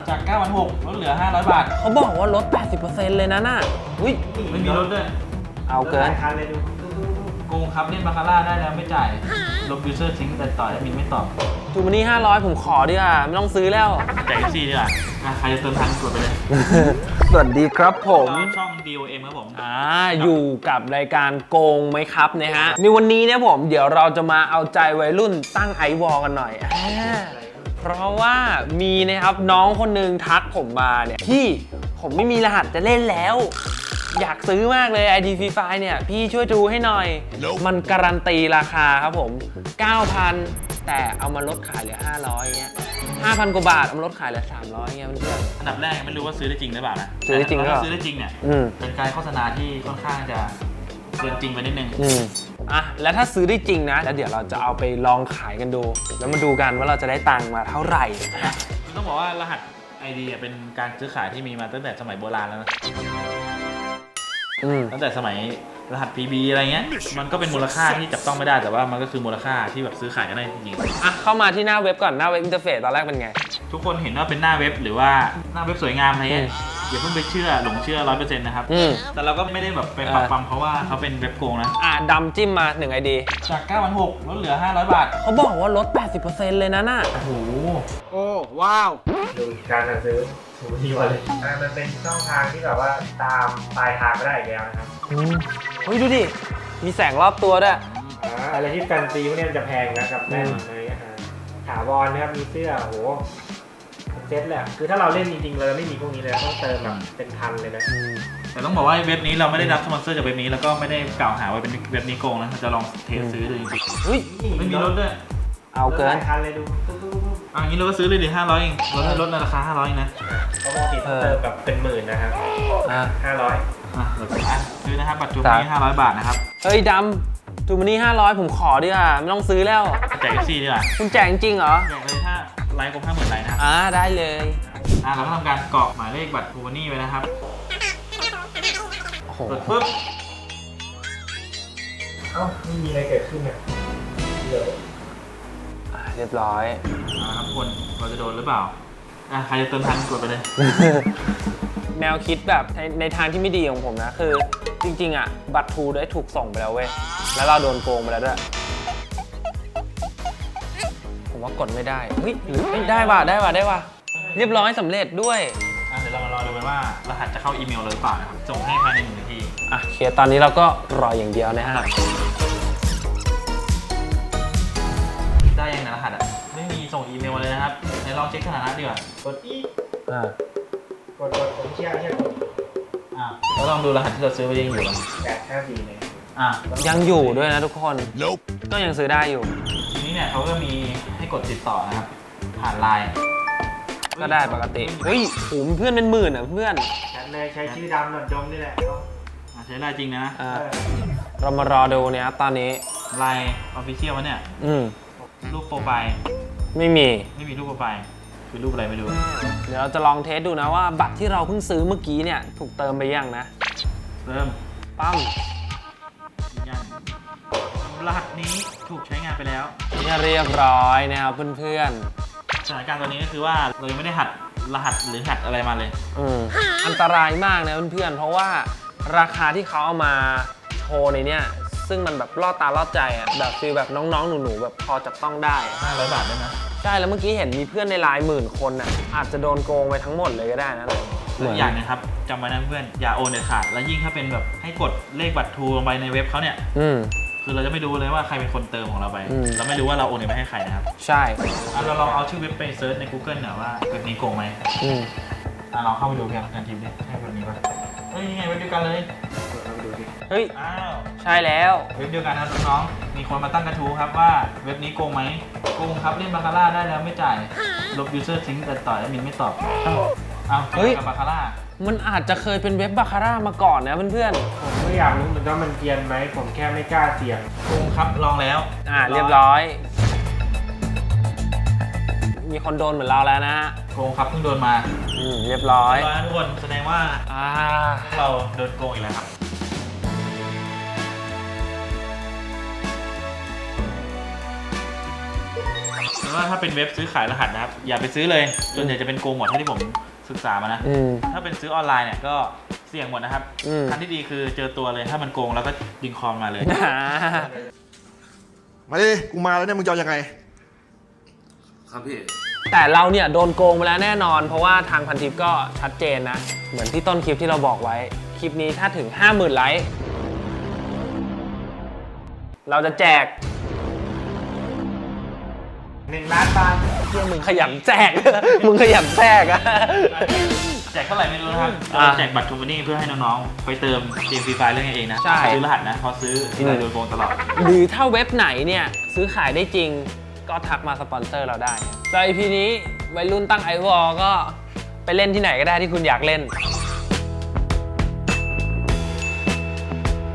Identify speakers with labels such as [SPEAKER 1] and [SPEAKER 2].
[SPEAKER 1] จาก 9,600 ลดเหลือ 500 บาท
[SPEAKER 2] เขาบอกว่าลด 80% เลยนะน่ะอุ้ย
[SPEAKER 1] ไม่มีลดด้วย
[SPEAKER 2] เอาเกิน
[SPEAKER 1] โกงครับเล่นบาคาร่าได้แล้วไม่จ่ายลบยูเซอร์ทิ้งแต่ต่อแอดมินไม่ตอบ
[SPEAKER 2] จูมานี่500ผมขอดีกว่าไม่ต้องซื้อแล้ว
[SPEAKER 1] แจกซี่ดีกว่าใครจะเติมทันกดไปเลย
[SPEAKER 2] สวัสดีครับผม
[SPEAKER 1] ช่อง DOM ครับผม
[SPEAKER 2] อยู่กับรายการโกงไหมครับนะฮะในวันนี้เนี่ยผมเดี๋ยวเราจะมาเอาใจวัยรุ่นตั้งไอวอลกันหน่อยเพราะว่ามีนะครับน้องคนนึงทักผมมาเนี่ยพี่ผมไม่มีรหัสจะเล่นแล้วอยากซื้อมากเลย ID Free Fire เนี่ยพี่ช่วยดูให้หน่อย มันการันตีราคาครับผม 9,000 แต่เอามาลดขายเหลือ 500เงี้ย 5,000 กว่าบาทเอามาลดขายเหลือ 300เงี้ยเพื่อน
[SPEAKER 1] อันดับแรกไม่รู้ว่าซื้อได้จริงหรือเปล่านะ
[SPEAKER 2] ซื้อได้จริงก็
[SPEAKER 1] ซื้อได้จริงเนี่ยเป็นการโฆษณาที่ค่อนข้างจะเกินจริงไปนิดนึง
[SPEAKER 2] แล้วถ้าซื้อได้จริงนะแล้วเดี๋ยวเราจะเอาไปลองขายกันดูแล้วมาดูกันว่าเราจะได้ตังค์มาเท่าไหร่
[SPEAKER 1] ต้องบอกว่ารหัส ID เป็นการซื้อขายที่มีมาตั้งแต่สมัยโบราณแล้วนะตั้งแต่สมัยรหัส PB อะไรเงี้ยมันก็เป็นมูลค่าที่จับต้องไม่ได้แต่ว่ามันก็คือมูลค่าที่แบบซื้อขายกันได้จริง
[SPEAKER 2] ๆเข้ามาที่หน้าเว็บก่อนหน้าเว็บอินเทอร์เฟซตอนแรกเป็นไง
[SPEAKER 1] ทุกคนเห็นว่าเป็นหน้าเว็บหรือว่าหน้าเว็บสวยงามอะไรเงี้ยอย่าเพิ่งไปหลงเชื่อ 100% นะครับแต่เราก็ไม่ได้แบบไปปักปั๊มเพราะว่าเขาเป็นเว็บโกงนะ
[SPEAKER 2] ดำจิ้มมา1 ID
[SPEAKER 1] จาก 9,600 ลดเหลือ 500 บาท
[SPEAKER 2] เขาบอกว่าลด 80% เลยนะน่ะ
[SPEAKER 1] โอ้โห
[SPEAKER 3] โอ้ว้าว
[SPEAKER 4] ดูการซื้อถูกที่ว่าเลยมันเป็นช่องทางที่แบบว่าตามปลายทางไม่ได้อีกแล้วนะครับ
[SPEAKER 2] เฮ้ยดูดิมีแสงรอบตัวด้วย
[SPEAKER 4] อะไรที่แฟนซีพวกนี้มันจะแพงนะกับแน่นเลยถาวรนะครับมีเสื้อโหเซ็ตแหละคือถ้าเราเล่นจริงๆเราไม่มีพวกนี้เลยต้องเติมแบบเป็นพันเลยนะ
[SPEAKER 1] แต่ต้องบอกว่าเว็บนี้เราไม่ได้รับสปอนเซอร์จากเว็บนี้แล้วก็ไม่ได้กล่าวหาว่าเป็นเว็บนี้โกงนะเราจะลองเทสซื้อดูจริงๆไม่มีลดด้วย
[SPEAKER 2] เอาเกิน
[SPEAKER 4] พันเลยดู
[SPEAKER 1] อย่างนี้เราก็ซื้อเลยดิ500เองลดในราคา500เองนะ
[SPEAKER 4] เขาบอกติดเติมแบบเป็นหมื่นนะครับ500
[SPEAKER 1] ซื้อนะครับบัตรจูมี่500 บาทนะครับ
[SPEAKER 2] เฮ้ยดำจูมานี่500ผมขอดีกว่าไม่ต้องซื้อแล้ว
[SPEAKER 1] แจกซี่ดีกว่า
[SPEAKER 2] คุณแจกจริงเหรอ
[SPEAKER 1] แจกเลยถ้าไลค์ครบ 50,000 ไลค์นะครับ
[SPEAKER 2] ได้เลย
[SPEAKER 1] เราก็ทำการกรอกหมายเลขบัตรจูมานี่ไว้นะครับกดปุ๊บ
[SPEAKER 4] ไม่มีอะไรเกิดขึ้นเนี่ย
[SPEAKER 2] เรียบร้อย
[SPEAKER 1] ครับคนเราจะโดนหรือเปล่าใครจะเติมทันกดไปเลย
[SPEAKER 2] แนวคิดแบบในทางที่ไม่ดีของผมนะคือจริงๆบัตรทูได้ถูกส่งไปแล้วเว้ยแล้วเราโดนโกงไปแล้วด้วยผมว่ากดไม่ได้เฮ้ยหรือได้ว่ะเรียบร้อยสำเร็จด้วย
[SPEAKER 1] เดี๋ยวเรามารอดูกันว่ารหัสจะเข้าอีเมลเราหรือเปล่านะครับส่งให้ภายใน1 นาที
[SPEAKER 2] เคลียร์ตอนนี้เราก็รออย่างเดียวนะฮะ
[SPEAKER 1] ได้ยังนะรหัสไม่มีส่งอีเมลมาเลยนะครับเดี๋ยวลองเช็คสถานะดีกว่ากดอี
[SPEAKER 4] กดผมเชื่อกด
[SPEAKER 1] เราลองดูรหัสที่เราซื้อไปยังอยู่มั้ย
[SPEAKER 4] 854เลย
[SPEAKER 2] ยังอยู่ด้วยนะทุกคนก็ยังซื้อได้อยู่
[SPEAKER 1] ทีนี้เนี่ยเขาก็มีให้กดติดต่อนะครับผ่านไลน์
[SPEAKER 2] ก็ได้ปกติเฮ้ยผมเพื่อนเป็นหมื่นเพื่อน
[SPEAKER 4] เลยใช้ชื่อดำหนวดดงนี่แหละ
[SPEAKER 1] ใช้ไลน์จริงนะ
[SPEAKER 2] เรามารอดูเนี่ยตอนนี้
[SPEAKER 1] ไลน์ออฟฟิเชียลวะเนี่ยรูปโปรไฟล์
[SPEAKER 2] ไม่มี
[SPEAKER 1] รูปโปรไฟล์คือรูปอะไรไม่รู้
[SPEAKER 2] เดี๋ยวเราจะลองเทสดูนะว่าบัตรที่เราเพิ่งซื้อเมื่อกี้เนี่ยถูกเติมไปยังนะ
[SPEAKER 1] เติม
[SPEAKER 2] ปั๊ม
[SPEAKER 1] รหัสนี้ถูกใช้งานไปแล้ว
[SPEAKER 2] เรียบร้อยนะครับเพื่อน
[SPEAKER 1] ๆสถานการณ์ตอนนี้ก็คือว่าเรายังไม่ได้หัดรหัสหรือหัดอะไรมาเลย
[SPEAKER 2] อันตรายมากนะเพื่อนๆเพราะว่าราคาที่เขาเอามาโชว์ในเนี้ยซึ่งมันแบบล่อตาล่อใจแบบฟีลแบบน้องๆหนูๆแบบพอจับต้องได้
[SPEAKER 1] 500 บาทได้ไหม
[SPEAKER 2] ใช่แล้วเมื่อกี้เห็นมีเพื่อนในไลน์10,000 คนอาจจะโดนโกงไปทั้งหมดเลยก็ได้นะ
[SPEAKER 1] อย่างนะครับจำไว้นะเพื่อนอย่าโอนเด็ดขาดแล้วยิ่งถ้าเป็นแบบให้กดเลขบัตรทูลงไปในเว็บเขาเนี่ยคือเราจะไม่รู้เลยว่าใครเป็นคนเติมของเราไปเราไม่รู้ว่าเราโอนเงินไปให้ใครนะครับ
[SPEAKER 2] ใช่
[SPEAKER 1] เราลองเอาชื่อเว็บไปเซิร์ชใน Google หน่อยว่าเว็บนี้โกงไหมเราเข้าไปดูกันทีมนี้ใช่เว็บนี้ป่ะเฮ้ยนี่ไงเว็บเดียวกันเลย
[SPEAKER 2] เฮ้ยใช่แล้ว
[SPEAKER 1] เว็บเดียวกันนะน้องๆมีคนมาตั้งกระทู้ครับว่าเว็บนี้โกงไหมโกงครับเล่นบาคาร่าได้แล้วไม่จ่ายลบยูเซอร์ทิ้งแต่ต่อแอดมินไม่ตอบเฮ้ยกับบาคาร่า
[SPEAKER 2] มันอาจจะเคยเป็นเว็บบาคาร่ามาก่อนนะเพื่อน
[SPEAKER 4] ๆผมก็อยากรู้เหมือนกันมันเกียนไหมผมแค่ไม่กล้าเสี่ยง
[SPEAKER 1] โกงครับลองแล้ว
[SPEAKER 2] เรียบร้อยมีคนโดนเหมือนเราแล้วนะฮะ
[SPEAKER 1] โกงครับเพิ่งโดนมา
[SPEAKER 2] เรียบร้อย
[SPEAKER 1] ทุกคนแสดงว่าเราโดนโกงอีกแล้วครับแต่ว่าว่าถ้าเป็นเว็บซื้อขายรหัสนะครับอย่าไปซื้อเลยส่วนใหญ่จะเป็นโกงหมดเท่าที่ผมศึกษามานะถ้าเป็นซื้อออนไลน์เนี่ยก็เสี่ยงหมดนะครับทางที่ดีคือเจอตัวเลยถ้ามันโกงแล้วก็ดึงคอมมาเลย
[SPEAKER 5] มาดิ กูมาแล้วเนี่ย มึงจะเอายังไง
[SPEAKER 6] ครับพี่
[SPEAKER 2] แต่เราเนี่ยโดนโกงไปแล้วแน่นอน เพราะว่าทางพันทิปก็ชัดเจนนะ เหมือนที่ต้นคลิปที่เราบอกไว้ คลิปนี้ถ้าถึง 50,000 ไลค์เราจะแจก
[SPEAKER 4] 1 ล้านบาท
[SPEAKER 2] เพื่อมึงขยันแจก มึงขยันแจกอะ
[SPEAKER 1] แจกเท่าไหร่ไม่รู้นะครับแจกบัตรทูมานี่เพื่อให้น้องๆไปเติมเกมฟรีไฟเล่นกันเองนะ
[SPEAKER 2] ใช่
[SPEAKER 1] ซื้อรหัสนะพอซื้อที่ไรโดนโกงตลอด
[SPEAKER 2] หรือถ้าเว็บไหนเนี่ยซื้อขายได้จริงก็ทักมาสปอนเซอร์เราได้แล้ว EP นี้วัยรุ่นตั้งไอวอลก็ไปเล่นที่ไหนก็ได้ที่คุณอยากเล่น